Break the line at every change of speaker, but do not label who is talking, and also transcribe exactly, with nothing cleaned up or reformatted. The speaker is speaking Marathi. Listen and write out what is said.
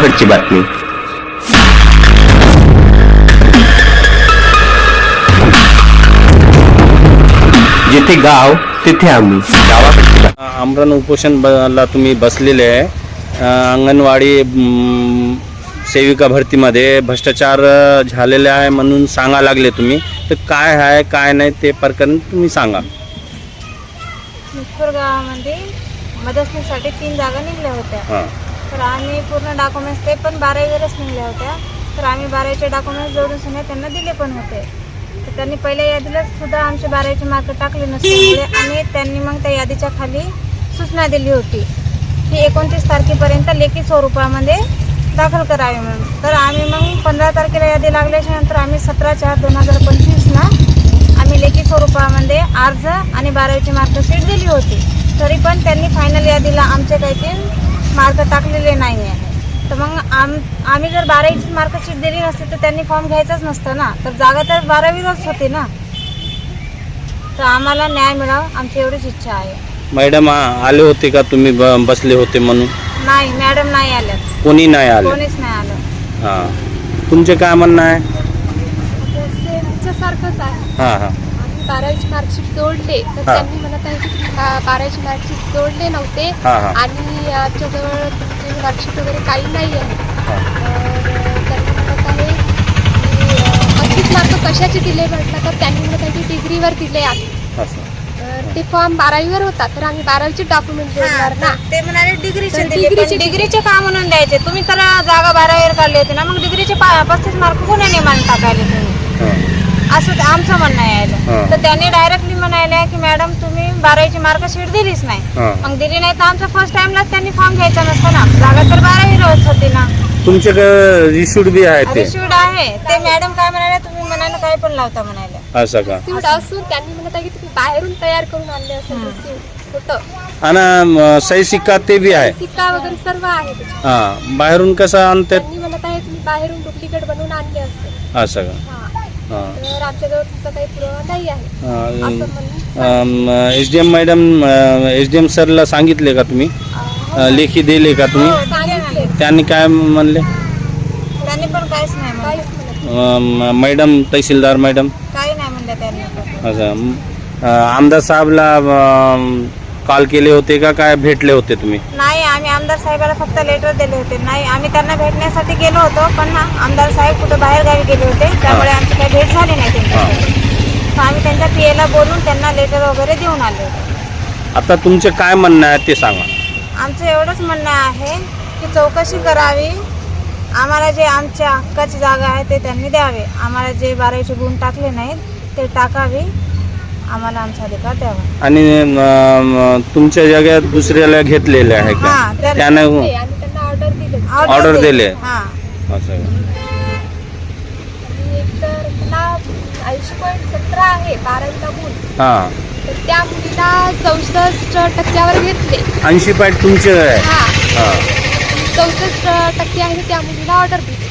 गावाकडची बातमी. जिथे गाव तिथे आम्ही. गावाकडची बातमी.
आमरण उपोषणला तुम्ही बसलेले आहे. अंगणवाडी सेविका भरतीमध्ये भ्रष्टाचार झालेले आहे म्हणून सांगा लागले तुम्ही. तर काय आहे काय नाही ते प्रकरण तुम्ही सांगा.
मुजपूर गावामध्ये मदतनीसाठी तीन जागा निघल्या होत्या.
हां
तर आम्ही पूर्ण डॉक्युमेंट्स ते पण बारावीवरच निघल्या होत्या. तर आम्ही बारावीचे डॉक्युमेंट्स जोडून सुद्धा त्यांना दिले पण होते. तर त्यांनी पहिल्या यादीला सुद्धा आमचे बारावीचे मार्क टाकले नसल्यामुळे आणि त्यांनी मग त्या यादीच्या खाली सूचना दिली होती की एकोणतीस तारखेपर्यंत लेखी स्वरूपामध्ये दाखल करावे म्हणून. तर आम्ही मग पंधरा तारखेला यादी लागल्याच्या नंतर आम्ही सतरा चार दोन हजार पंचवीसला आम्ही लेखी स्वरूपामध्ये अर्ज आणि बारावीची मार्कशीट दिली होती. तरी पण त्यांनी फायनल यादीला आमचे काही ते मार्क टाकलेले नाही आहे. तर मग आम आम्ही जर बारावीची मार्कशीट दिली नसती तर त्यांनी फॉर्म घ्यायचाच नसतं ना. तर जागा तर बारावीलाच होती ना. तर आम्हाला न्याय मिळावा आमची एवढीच इच्छा आहे.
मॅडम आले होते का तुम्ही बसले होते म्हणून?
नाही मॅडम नाही आल्या.
कोणी नाही आले?
कोणीच नाही आलं.
हां तुमचे काय म्हणणं आहे?
सारखंच आहे.
हां हां
आम्ही बारावीची मार्कशीट जोडले तर त्यांनी म्हणत आहे की बारावीची मार्कशीट जोडले नव्हते
हां हां
आणि आमच्याजवळ तुमची मार्कशीट वगैरे काही नाही आहे.
हां.
तर त्यांनी म्हणत आहे की पंचवीस मार्क कशाचे दिले म्हटलं तर त्यांनी म्हणत आहे की डिग्रीवर दिले आहे.
असं
तर ते फॉर्म बारावीवर होता तर आम्ही बारावीचे डॉक्युमेंट जोडणार ना.
ते म्हणाले डिग्रीचे
तर
दिले, पण
डिग्रीचे-
डिग्रीचे का म्हणून द्यायचे? तुम्ही तर जागा बारावीवर काढली होती ना. मग डिग्रीचे पस्तीस मार्क कोणी नियमाने टाकायले तुम्ही?
हां
असं ते आमचं म्हणणं
हां.
यायला. तर त्यांनी डायरेक्टली म्हणायला की मॅडम तुम्ही बारावीची मार्कशीट दिलीच नाही.
हां.
मग दिली नाही तर आमचं फर्स्ट टाइमलाच त्यांनी फॉर्म घ्यायचा नसता ना. जागा तर बारावीवरच होती ना.
तुमच्याकडे रिशूड बी आहे ते?
रिशिवड आहे ते. मॅडम काय म्हणाले तुम्ही म्हणाले काय पण लावता म्हणाले.
असं का?
रिसिव्ड असून त्यांनी म्हणत आहे की तुम्ही बाहेरून तयार करून आणले असेल रिसिव्ड होतं.
आणि सही सिक्का ते बी आहे?
सिक्का वगैरे सर्व आहे त्याच्यात.
हां बाहेरून कसं आणतात?
त्यांनी म्हणत आहे तुम्ही बाहेरून डुप्लिकेट बनवून आणले असेल.
असं का?
हां
हां
तर आमच्याजवळ तुमचा काही पुरावा नाही आहे असं म्हणून
S D M madam S D M सरला सांगितले का तुम्ही?
अं,
लेखी दिले का तुम्ही?
सांगितले.
त्यांनी काय म्हणले?
त्यांनी पण काहीच नाही म्हणले.
काहीच म्हणत
अं, मॅडम तहसीलदार मॅडम
काही नाही म्हणले त्यांनी पण.
असं अं, आमदार साहेबला अं, कॉल केले होते का काय भेटले होते तुम्ही?
नाही आम्ही आमदार साहेबाला फक्त लेटर दिले होते. नाही आम्ही त्यांना भेटण्यासाठी गेलो होतो पण ना आमदार साहेब कुठं बाहेर गावी गेले होते त्यामुळे आमची काही भेट झाली नाही त्यांच्याशी. तर आम्ही त्यांच्या पी एला बोलून त्यांना लेटर वगैरे देऊन आले होते.
आता तुमचे काय म्हणणं आहे ते सांगा.
आमचं एवढंच म्हणणं आहे की चौकशी करावी. आम्हाला जे आमच्या हक्काची जागा आहे ते त्यांनी द्यावे. आम्हाला जे बारावीचे गुण टाकले नाहीत ते टाकावे. आम्हाला आमचा अधिकार द्यावा.
आणि अं, तुमच्या जागेत दुसऱ्याला घेतलेले आहे का?
हां, त्या-
त्यानं
आणि त्यांना ऑर्डर दिले
ऑर्डर दिले?
हां
असं का?
आणि एक तर मला ऐंशी पॉईंट सतरा आहे बारावीला गुण
हां
तर त्या मुलीला चौसष्ट टक्क्यावर घेतले.
ऐंशी पॉईंट तुमचे आहे?
हा
हां
चौसष्ट टक्के आहे त्या मुलीला ऑर्डर दिली.